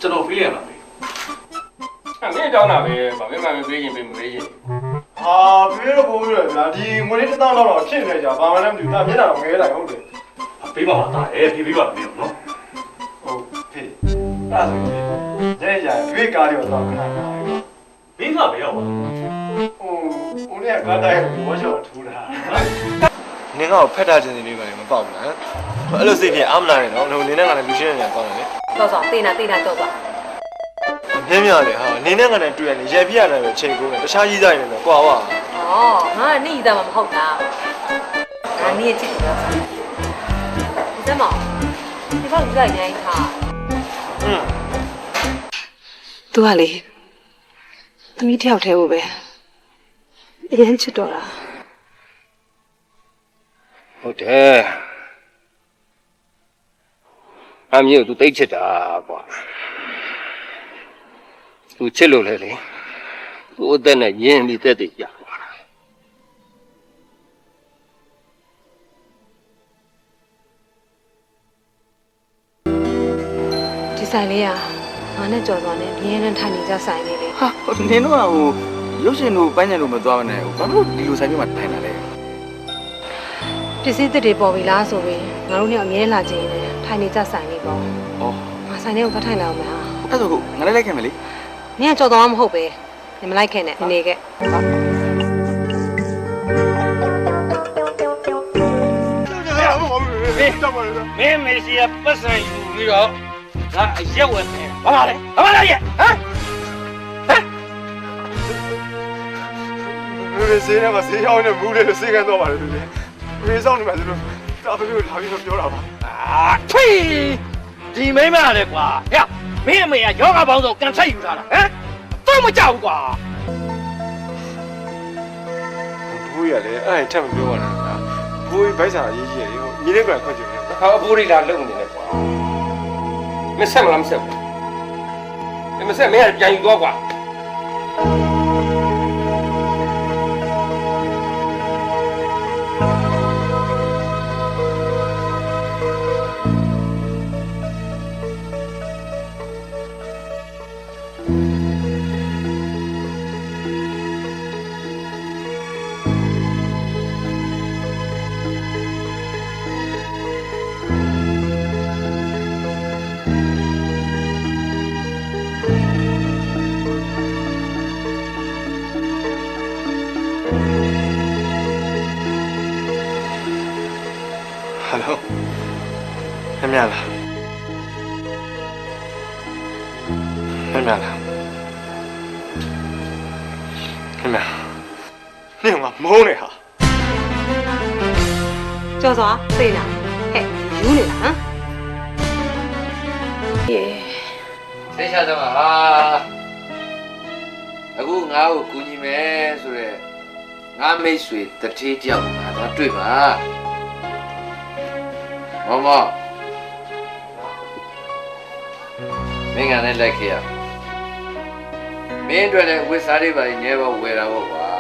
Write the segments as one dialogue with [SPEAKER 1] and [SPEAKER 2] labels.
[SPEAKER 1] ကျွန်တော်ဖေးရမှာပဲ
[SPEAKER 2] မင်းတောင်းတာပဲဗာမင်းမပေးရင်ပေးမပေးရင်
[SPEAKER 3] ဟာဖေးတော့ပို့ပြီးတော့ဗျာဒီငွေလေး1000တော့ဖြစ်နေကြဘာမှလည်းမသိဘူးဒါမျက်နှာတော့ငဲလိုက်ဟုတ်တယ်
[SPEAKER 1] ပေးပါလားဖေးပါမယ်နော်
[SPEAKER 3] ဟုတ်ဖေးအဲ့ဒါဆိုရင်ရဲဖေးကားရောတော့ခဏခဏ
[SPEAKER 1] မင်းကပဲရောက်ပါ
[SPEAKER 3] ဦးလေးကကားတိုင်းဘောချောထူတာ
[SPEAKER 4] နင်ကတော့ဖက်တာချင်းစီလေးပါလေမပေါက်ဘူးလားအဲ့လိုစိတ်ဖြင့်အားမနာနဲ့နော်နင်နဲ့ငါနဲ့လူရှင်းနေကြကောင်းတယ်လေ
[SPEAKER 5] တော့ဆိုတေးနာတော့ပါ
[SPEAKER 4] မြင်းမြလေဟာနင်နဲ့ငါနဲ့တွေ့ရင်ရေပြရတယ်ပဲချိန်ကုန်တယ်တခြားကြီးစားရင်လည်းကွာဝါ
[SPEAKER 5] ငါကနေ့သားမှမဟုတ်တာငါနေ့ချစ်တယ်ဒီစမောင်ဒီဘောက်ကြီးရိုင်းထားသူကလေသမီးတယောက်တည်းကိုပဲအရင်ချစ်တော့တာ
[SPEAKER 2] ဟုတ်တယ်အမျိုး तू တိတ်ချစ်တာကွာ तू ချစ်လို့လေသူ့အသက်နဲ့ရင်းပြီးတက်တည်ကြပါလား
[SPEAKER 5] ဒီဆိုင်လေးကငါနဲ့ကြော်သွားနေပြင်းရန်ထိုင်နေကြဆိုင်လေးလေ
[SPEAKER 4] ဟာနင်တို့ကရုပ်ရှင်တို့ပန်းညံတို့မသွားမနဲ့ဘာလို့ဒီလိုဆိုင်မျိုးမှာထိုင်တာလဲ
[SPEAKER 5] ပစ္စည်းသစ်တွေပေါ်ပြီလားဆိုပြီးငါတို့เนี่ยအမြဲလာကြည့်နေတယ်ထိုင်နေကြဆိုင်လေးပေါ့ငါဆိုင်လေးကိုသွားထိုင်လာအောင်မလား
[SPEAKER 4] အဲ့ဒါကိုငါလည်းလိုက်ခဲ့မယ်လေ
[SPEAKER 5] နင်ကကြော်သွားမှာမဟုတ်ပဲနင်မလိုက်ခဲ့နဲ့နေခဲ့
[SPEAKER 2] မင်းမရှိရပတ်စံယူပြီးတော့ငါအရက်ဝယ်မယ်ဘာပါလဲရဲ့ဟမ်
[SPEAKER 3] ဖေးစေးရမှာစေးရောက်နေမူးလေးစေးကန်တော့ပါလေဖေးဖေးဆောင်နေမှာဆိုတော့တာဖေးကိုလာပြီးတော့ပြောတာပါ
[SPEAKER 2] ထွေးဒီမိမလည်းကွာဟဲ့မင်းအမေကယောဂပေါင်းဆိုကန်ဆက်ယူထားတာဟမ်တော့မကြောက်ဘူးကွာ
[SPEAKER 3] ဘူးရလေအဲ့ထက်မပြောပါနဲ့ဗျာဘူးဘိုက်စာရေးကြီးရေညီလေးကခွင့်ကြည့်နေ
[SPEAKER 2] ဟာအဖိုးရီလာလုံနေတယ်ကွာမဆက်မလားမဆက်ဘူးမဆက်မင်းကပြန်ယူတော့ကွာ
[SPEAKER 4] ဟယ်လိုခင်ဗျာလားခင်ဗျာလားခင်ဗျာနင်ကမုန်းနေဟာ
[SPEAKER 5] ကြော်သွားသိလားဟဲ့ယူနေလားဟမ်
[SPEAKER 2] သိချတော့ဟာအခုငါ့ကိုကူညီမယ်ဆိုရက်ငါမိတ်ဆွေတထေးတယောက်ငါတော့တွေ့ပါမမမင်းကလည်းလိုက်ခဲ့ရမင်းတို့လည်းဝစ်စားလေးပါနေတော့ဝယ်တာပေါ့ကွာ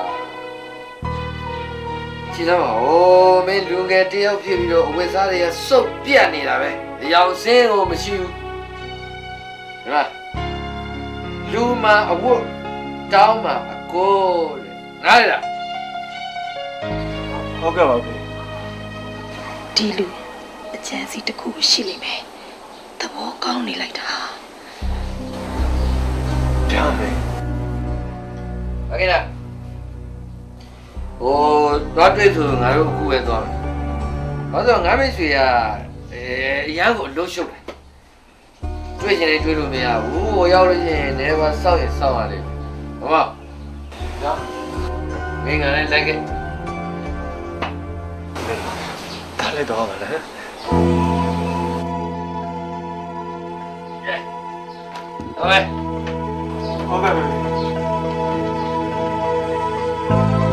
[SPEAKER 2] ကြည့်တော့ဟိုမင်းလူငယ်တယောက်ဖြစ်ပြီးတော့ဝစ်စားတွေကစုပ်ပြတ်နေတာပဲအယောင်စင်းကိုမရှိဘူးဒီမှာလူမအဝတ်တောင်းမှာအကိုတဲ့နားလေလား
[SPEAKER 3] ဟုတ်ကဲ့ပါဘူး
[SPEAKER 5] ဒီလူအချမ်းစီတစ်ခုရှိလိမ့်မယ်သဘောကောင်းနေလိုက်တာ
[SPEAKER 3] ဒါပဲ
[SPEAKER 2] โอเคလားဟိုတော့တွေ့ဆိုငါတို့အခုပဲသွားမယ်ဘာလို့ငါမိတ်ဆွေကအရန်ကိုအလို့ရှုပ်တယ်တွေ့ချင်တယ်တွေ့လို့မရဘူးဟိုရောက်လို့ရှိရင်လည်းပါစောက်ရင်စောက်ရလိမ့်မယ်ဟုတ်ပါမင်းကလည်းလိုက်ခဲ့
[SPEAKER 4] ဒါလည်းတော့ပါလေ
[SPEAKER 2] ဟုတ်ကဲ့
[SPEAKER 3] ဟုတ်ကဲ့